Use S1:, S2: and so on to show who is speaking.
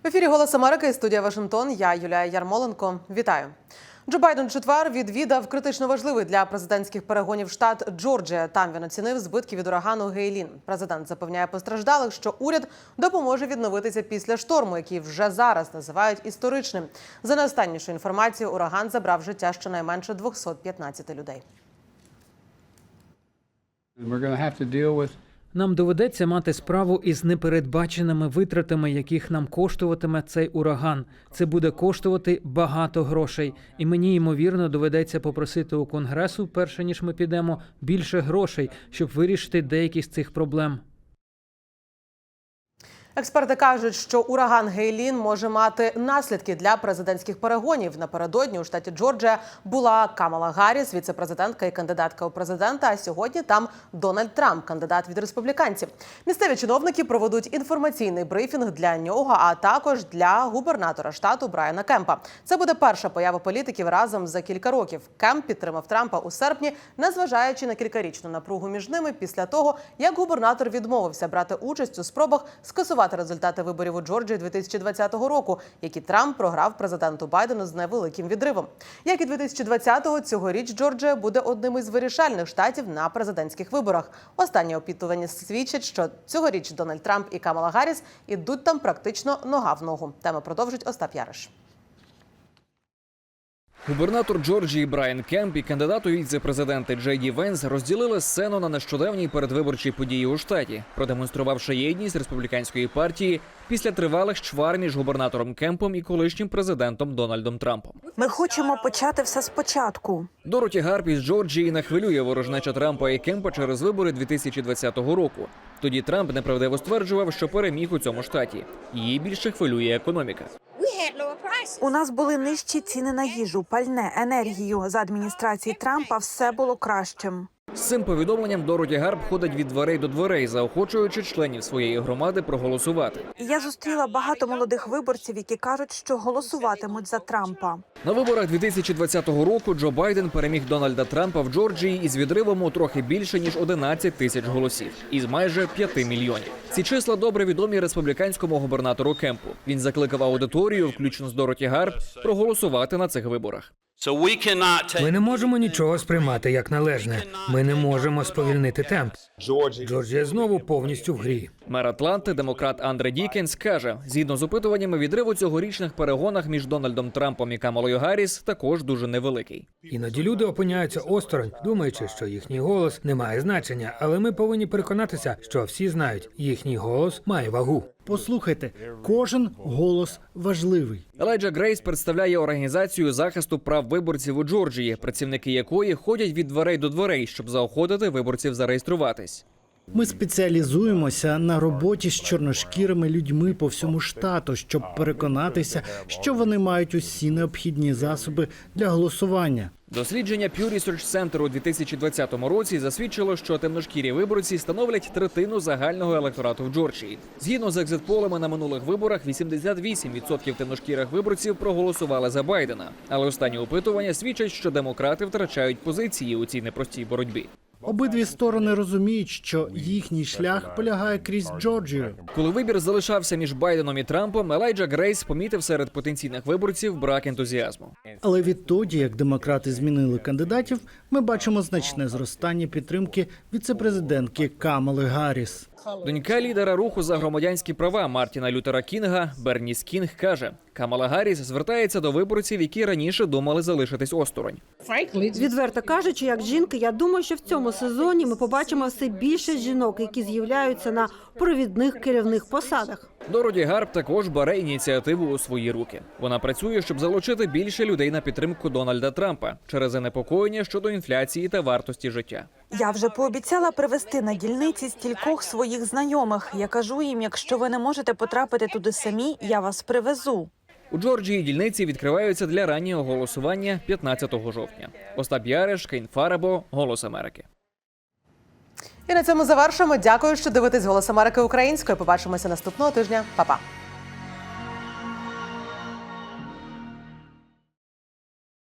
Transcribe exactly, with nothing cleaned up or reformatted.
S1: В ефірі «Голос Америки», студія Вашингтон. Я Юлія Ярмоленко. Вітаю. Джо Байден у четвер відвідав критично важливий для президентських перегонів штат Джорджія. Там він оцінив збитки від урагану Гейлін. Президент запевняє постраждалих, що уряд допоможе відновитися після шторму, який вже зараз називають історичним. За найостаннішою інформацією, ураган забрав життя щонайменше двохсот п'ятнадцяти людей.
S2: Нам доведеться мати справу із непередбаченими витратами, яких нам коштуватиме цей ураган. Це буде коштувати багато грошей. І мені, ймовірно, доведеться попросити у Конгресу, перше ніж ми підемо, більше грошей, щоб вирішити деякі з цих проблем.
S1: Експерти кажуть, що ураган Гейлін може мати наслідки для президентських перегонів. Напередодні у штаті Джорджія була Камала Гарріс, віце-президентка і кандидатка у президента, а сьогодні там Дональд Трамп, кандидат від республіканців. Місцеві чиновники проведуть інформаційний брифінг для нього, а також для губернатора штату Брайана Кемпа. Це буде перша поява політиків разом за кілька років. Кемп підтримав Трампа у серпні, незважаючи на кількарічну напругу між ними після того, як губернатор відмовився брати участь у спробах скасувати результати виборів у Джорджії дві тисячі двадцятого року, які Трамп програв президенту Байдену з невеликим відривом. Як і дві тисячі двадцятого, цьогоріч Джорджія буде одним із вирішальних штатів на президентських виборах. Останні опитування свідчать, що цьогоріч Дональд Трамп і Камала Гарріс ідуть там практично нога в ногу. Тему продовжить Остап Яриш.
S3: Губернатор Джорджії Брайан Кемп і кандидат у віце-президенти Джей Ді Венс розділили сцену на нещодавній передвиборчій події у штаті, продемонструвавши єдність республіканської партії після тривалих чвар між губернатором Кемпом і колишнім президентом Дональдом Трампом.
S4: Ми хочемо почати все спочатку.
S3: Дороті Гарп із Джорджії не хвилює ворожнеча Трампа і Кемпа через вибори дві тисячі двадцятого року. Тоді Трамп неправдиво стверджував, що переміг у цьому штаті. Її більше хвилює економіка.
S4: У нас були нижчі ціни на їжу, пальне, енергію. За адміністрації Трампа все було кращим.
S3: З цим повідомленням Дороті Гарп ходить від дверей до дверей, заохочуючи членів своєї громади проголосувати.
S4: Я зустріла багато молодих виборців, які кажуть, що голосуватимуть за Трампа.
S3: На виборах дві тисячі двадцятого року Джо Байден переміг Дональда Трампа в Джорджії із відривом у трохи більше, ніж одинадцять тисяч голосів, із майже п'яти мільйонів. Ці числа добре відомі республіканському губернатору Кемпу. Він закликав аудиторію, включно з Дороті Гарп, проголосувати на цих виборах.
S5: Ми не можемо нічого сприймати як належне. Ми не можемо сповільнити темп. Джорджія знову повністю в грі.
S3: Мер Атланти, демократ Андре Дікенс, каже, згідно з опитуваннями, відрив у цьогорічних перегонах між Дональдом Трампом і Камалою Гарріс також дуже невеликий.
S5: Іноді люди опиняються осторонь, думаючи, що їхній голос не має значення. Але ми повинні переконатися, що всі знають, їхній голос має вагу.
S6: Послухайте, кожен голос важливий.
S3: Елайджа Грейс представляє організацію захисту прав виборців у Джорджії, працівники якої ходять від дверей до дверей, щоб заохотити виборців зареєструватись.
S6: Ми спеціалізуємося на роботі з чорношкірими людьми по всьому штату, щоб переконатися, що вони мають усі необхідні засоби для голосування.
S3: Дослідження Pew Research Center у дві тисячі двадцятому році засвідчило, що темношкірі виборці становлять третину загального електорату в Джорджії. Згідно з екзит-полами на минулих виборах, вісімдесят вісім відсотків темношкірих виборців проголосували за Байдена. Але останні опитування свідчать, що демократи втрачають позиції у цій непростій боротьбі.
S6: Обидві сторони розуміють, що їхній шлях полягає крізь Джорджію.
S3: Коли вибір залишався між Байденом і Трампом, Елайджа Грейс помітив серед потенційних виборців брак ентузіазму.
S6: Але відтоді, як демократи змінили кандидатів, ми бачимо значне зростання підтримки віце-президентки Камали Гарріс.
S3: Донька лідера руху за громадянські права Мартіна Лютера Кінга, Берніс Кінг, каже, Камала Гарріс звертається до виборців, які раніше думали залишитись осторонь.
S7: Відверто кажучи, як жінка, я думаю, що в цьому сезоні ми побачимо все більше жінок, які з'являються на провідних керівних посадах.
S3: Дороті Гарп також бере ініціативу у свої руки. Вона працює, щоб залучити більше людей на підтримку Дональда Трампа через занепокоєння щодо інфляції та вартості життя.
S4: Я вже пообіцяла привезти на дільниці стількох своїх знайомих. Я кажу їм, якщо ви не можете потрапити туди самі, я вас привезу.
S3: У Джорджії дільниці відкриваються для раннього голосування п'ятнадцятого жовтня. Остап Яриш, Кейн Фарабо, Голос Америки.
S1: І на цьому завершимо. Дякую, що дивитесь «Голос Америки» українською. Побачимося наступного тижня. Па-па.